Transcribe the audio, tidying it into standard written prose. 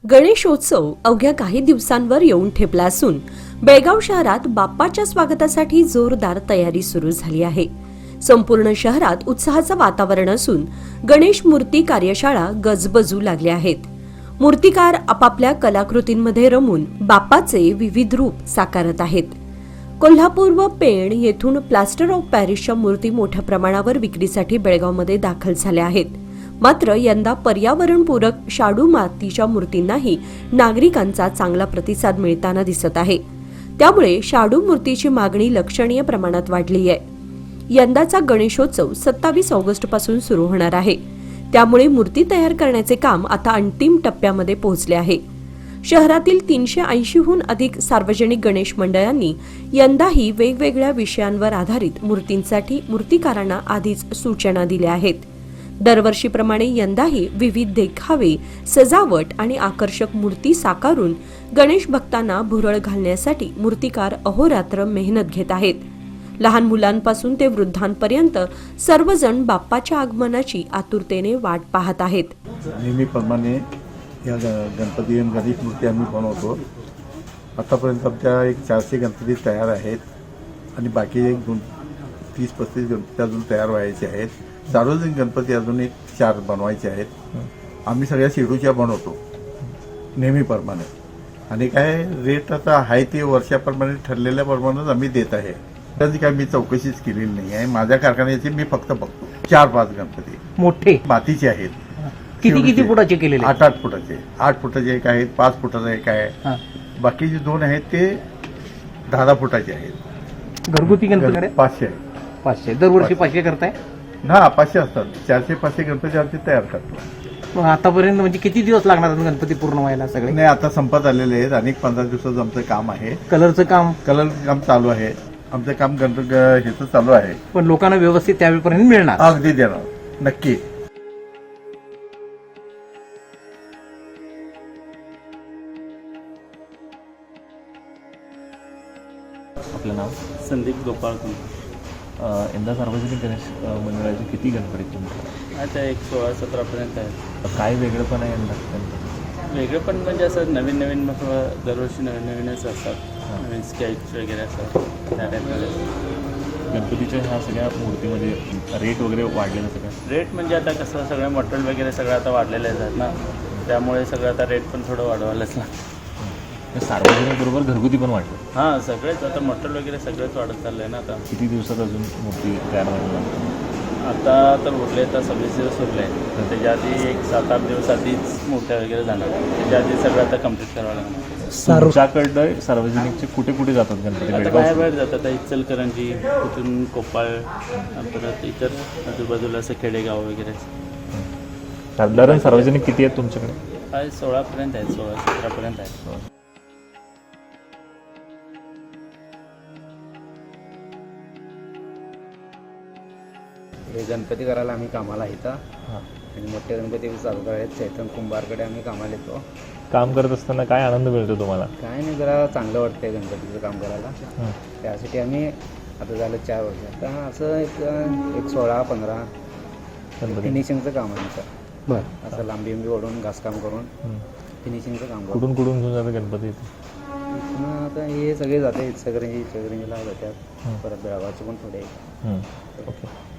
गणेशोत्सव अवघ्या काही दिवसांवर येऊन ठेपला असून बेळगाव शहरात बाप्पाच्या स्वागतासाठी जोरदार तयारी सुरू झाली आहे। संपूर्ण शहरात उत्साहाचं वातावरण असून गणेश मूर्ती कार्यशाळा गजबजू लागल्या आहेत। मूर्तिकार आपापल्या कलाकृतींमध्ये रमून बाप्पाचे विविध रूप साकारत आहेत। कोल्हापूर व पेण येथून प्लास्टर ऑफ पॅरिसच्या मूर्ती मोठ्या प्रमाणावर विक्रीसाठी बेळगावमध्ये दाखल झाल्या आहेत। मात्र यंदा पर्यावरणपूरक शाडू मातीच्या मूर्तींनाही नागरिकांचा चांगला प्रतिसाद मिळताना दिसत आहे। त्यामुळे शाडू मूर्तीची मागणी लक्षणीय प्रमाणात वाढली आहे। यंदाचा गणेशोत्सव 27 ऑगस्ट पासून सुरू होणार आहे। त्यामुळे मूर्ती तयार करण्याचे काम आता अंतिम टप्प्यामध्ये पोहोचले आहे। शहरातील 380हून अधिक सार्वजनिक गणेश मंडळांनी यंदाही वेगवेगळ्या विषयांवर आधारित मूर्तींसाठी मूर्तिकारांना आधीच सूचना दिल्या आहेत। दरवर्षीप्रमाणे यंदाही विविध देखावे, सजावट आणि आकर्षक मूर्ती साकारून गणेश भक्तांना भुरळ घालण्यासाठी मूर्तिकार अहोरात्र मेहनत घेत आहेत। लहान मुलांपासून ते वृद्धांपर्यंत सर्वजण बाप्पाच्या आगमनाची आतुरतेने वाट पाहत आहेत। नेहमीप्रमाणे या गणपती आणि गणेश मूर्ती आम्ही बनवतो। आतापर्यंत आमच्या एक 400 गणपती तयार आहेत आणि बाकी एक 30-35 गणपती अजून तयार व्हायचे आहेत। सार्वजनिक गणपती अजून एक 4 बनवायचे आहेत। आम्ही सगळ्या शेडूच्या बनवतो नेहमीप्रमाणे आणि काय रेट आता आहे ते वर्षाप्रमाणे ठरलेल्याप्रमाणेच आम्ही देत आहे। त्याची काय मी चौकशीच केलेली नाही आहे। माझ्या कारखान्याचे मी फक्त बघतो। 4-5 गणपती मोठे मातीचे आहेत। किती फुटाचे केलेले? 8-8 फुटाचे, 8 फुटाचे एक आहेत, 5 फुटाचे एक आहे। बाकीचे 2 आहेत ते 10 फुटाचे आहेत। घरगुती गणपती 500 आहेत। 500 दरवर्षी 500 करताय ना? 500 असतात। 400-500 गणपती आमचे तयार करतो। मग आतापर्यंत म्हणजे किती दिवस लागणार गणपती पूर्ण व्हायला सगळे? नाही, आता संपत आलेले आहेत। अनेक 15 दिवसाचं आमचं काम आहे। कलरचं काम चालू आहे। आमचं काम ह्याचं चालू आहे। पण लोकांना व्यवस्थित त्यावेळेपर्यंत मिळणार? अगदी देणार, नक्की। आपलं नाव? संदीप गोपाळ कुंड। यंदा सार्वजनिक गणेश मंडळाचे किती गणपती तुमच्या? आता एक 16-17 आहे। काय वेगळं पण आहे यंदा? वेगळं पण म्हणजे असं नवीन नवीन मग दरवर्षी नवीन नवीनच असतात। नवीन स्केच वगैरे असतात त्या टाईपमध्ये। गणपतीच्या ह्या सगळ्या मूर्तीमध्ये रेट वगैरे वाढलेलं सगळं? रेट म्हणजे आता कसं सगळं मटेरियल वगैरे सगळं आता वाढलेलं आहेत ना, त्यामुळे सगळं आता रेट पण थोडं वाढवायलाच लागतं। सार्वजनिक बरोबर घरगुती पण वाढलं? हां, सगळेच आता मटेरियल वगैरे सगळंच वाढत चाललं आहे ना आता। किती दिवसात अजून मूर्ती तयार व्हायला? आता तर उरले तर 26 दिवस उरले तर त्याच्या आधी एक 7-8 दिवस आधीच मूर्त्या वगैरे जाणार। त्याच्या आधी सगळं आता कम्प्लीट करावं लागणार। तुमच्याकडं सार्वजनिकचे कुठे कुठे जातात गणपती? आता बाहेर जातात। इचलकरंजी, तिथून कोप्पाळ, परत इतर आजूबाजूला असं खेडेगाव वगैरे। साधारण सार्वजनिक किती आहेत तुमच्याकडे? 16पर्यंत आहेत, 16-17पर्यंत आहेत। हे गणपती करायला आम्ही कामाला येतो आणि मोठे गणपती चालू करायचे चैतन कुंभारकडे आम्ही कामाला येतो। काम करत असताना काय आनंद मिळतो तुम्हाला? काय नाही, जरा चांगलं वाटतंय गणपतीचं काम करायला। त्यासाठी आम्ही आता झालं 4 वर्ष आता असं एक 16-15 फिनिशिंगचं काम आहे आमचं। बरं, असं लांबी ओढून घासकाम करून फिनिशिंगचं काम करतो। कुठून कुठून घेऊन जातं गणपती? आता हे सगळे जाते इचलकरंजीला जातात, परत बेळगावचे पण थोडे। ओके।